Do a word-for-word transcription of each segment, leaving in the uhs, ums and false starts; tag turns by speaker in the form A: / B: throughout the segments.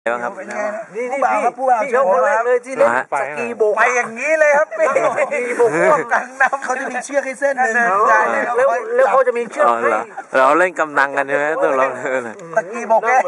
A: บ้างครับ
B: นี่นี่พี่พี่เขาคนแรกเลยที่เล่นสกีโบกไปอย่างนี้เลยครับพี่สกีโบกร่วมกันน้ำเขาจะมีเชือกให้เส้นหนึ่งแล้วแล้วเขาจะมีเชือกให้
A: เราเล่นกำนังกันใช่ไหมตัวเรา
B: สกีโบกแก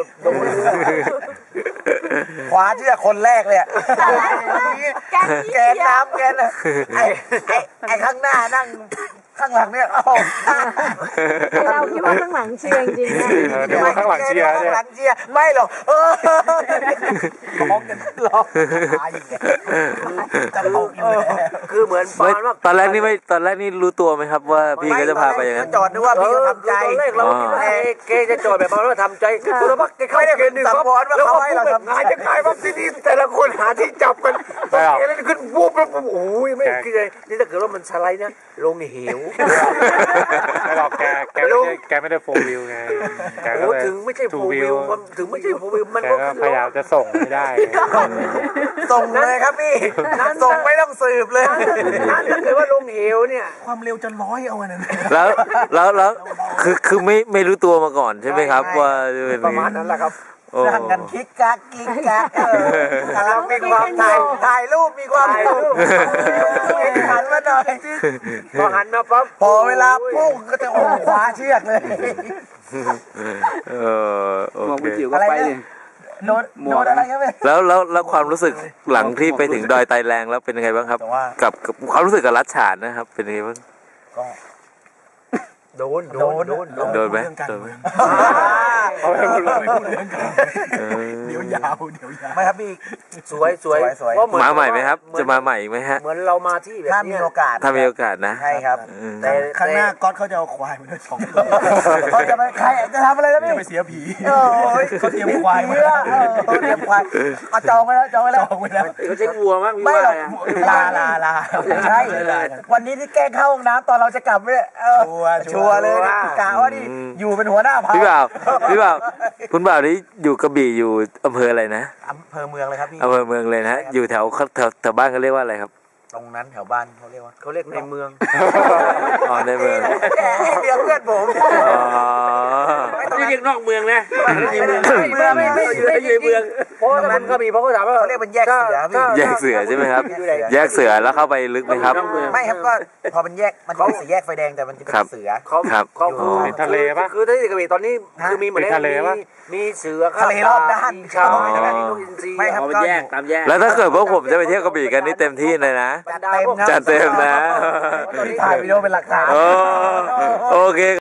B: ขวาเชือกคนแรกเลยแกนน้ำแกนไอ้ไอ้ข้างหน้านั่งข้างหลังเนี่ยเอา
C: เราคิดว่าข้างหลังเชียร์จริง
D: ๆเดี๋ยวข้างหลังเชียร์
B: ข้างหลังเชียร์ไม่หรอกเออร้องกันร้องจะร้องคือเหมือน
A: ตอนแรกนี่ไม่ตอนแรกนี่รู้ตัวไหมครับว่าพี่ก็จะพาไปอย่างนั้น
B: จอดนึกว่าพี่จะทำใจตอนแรกเราคิดว่าเกจะจอดแบบว่าทำใจคือเราพักเกเข้าเกณฑ์หนึ่งครับแล้วก็ให้เราทำงานจะขายว่าที่นี่แต่ละคนหาที่จับกันเกณฑ์ขึ้นวูบแล้วโอ้ยไม่คิดเลยนี่ถ้าเกิดว่ามันสไลด์นะลงเหว
D: ไม่หรอกแกแกไม่ได้แกไม่ได้โฟวิวไงแกก็เลย
B: ถึงไม่ใช่โฟวิวถึงไม่ใช่โฟวิวมัน
D: ก็พยายามจะส่งไม่ได้
B: ส่งเลยครับพี่ส่งไม่ต้องสืบเลยนั่นถ้าเกิดว่าลงเหวเนี่ยความเร็วจะร้อยเอาอันนั้น
A: แล้วแล้วแล้วคือคือไม่ไม่รู้ตัวมาก่อนใช่ไหมครับว่า
B: ประมาณนั้นแหละครับนั่งกันคิกกักคิกกักเรามีความถ่ายถ่ายรูปมีความสุขหันมาหน่อยพอหันมาปั๊บพอเวลาพุ่งก็จะโอ้คว้าเชือกเลย
A: เออโอเค
B: อะไรโน้ตโน้ตอะไรครับ
A: แล้วแล้วแล้วความรู้สึกหลังที่ไปถึงดอยไตแรงแล้วเป็นยังไงบ้างครับกับกับความรู้สึกกับรัชฉานนะครับเป็นยังไงบ้าง
B: ก็โดนโดนโดน
A: โดนไหมโดนไหม
D: เอาไปหมดเลย
B: เดี๋ยวยาวเดี๋ยวยาวไม่ครับพี่สวยสวย
A: มาใหม่ไหมครับจะมาใหม่ไหมฮะ
B: เหมือนเรามาที่แบบถ้ามีโอกาส
A: ถ้ามีโอกาสนะ
B: ใช่ครับแต่ข้างหน้าก๊อตเขาจะเอาควายมาด้วยสองตัวเขาจะไปใครจะทำอะไรนะพี่
D: จะไปเสียผี
B: โอ้ยเขาเตรียมควายมาเขาเตรียมควายเอาจองไว้แล้วจองไว้แล้ว
D: เขาใช้วัวมั้ง
B: ไม่หรอกลาลาลาใช่วันนี้ที่แกเข้าห้องน้ำตอนเราจะกลับเนี่ยชัวร์เลยกะว่าดิอยู่เป็นหัวหน้าพา
A: พี่บ่าวพี่บ่าวคุณบ่าวนี่อยู่กระบี่อยู่อำเภออะไรนะ
B: อำเภอเมืองเลยครับพี่
A: อำเภอเมืองเลยนะอยู่แถวแถวแถวบ้านเขาเรียกว่าอะไรครับ
B: ตรงนั้นแถวบ้านเขาเรียกว่าเขาเรียกในเมือง
A: อ๋อในเมือง
B: เดี๋ยวเพื่อนผม
D: ไม่เรียกนอกเมืองนะ
B: ในเมืองเมืองไม่ไม่อยู่ในเมืองเพราะมันก็มีเพราะเขาถามว่าเขาเรียกเป็นแยกเสือ
A: แยกเสือใช่ไหมครับแยกเสือแล้วเข้าไปลึกไหมครับ
B: ไม่ครับก็พอเป็นแยกมันเป็นสี่แยกไฟแดงแต่มันจะเป็นเสือ
A: เขา
D: เขาเป็นทะเลปะ
B: คือที่กระบี่ตอนนี้คือมีเหมือน
D: ทะเลปะ
B: มีเสือทะเลรอบด้านชาว
D: ไม่ครับก็แยกตามแยก
A: แล้วถ้าเกิดพวกผมจะไปเที่ยวกระบี่กันนี่เต็มที่เลยนะ
B: จัดเต็มนะ
A: จัดเต็มนะ
B: ถ่ายวิดีโอเป็นหลักฐาน
A: โอเค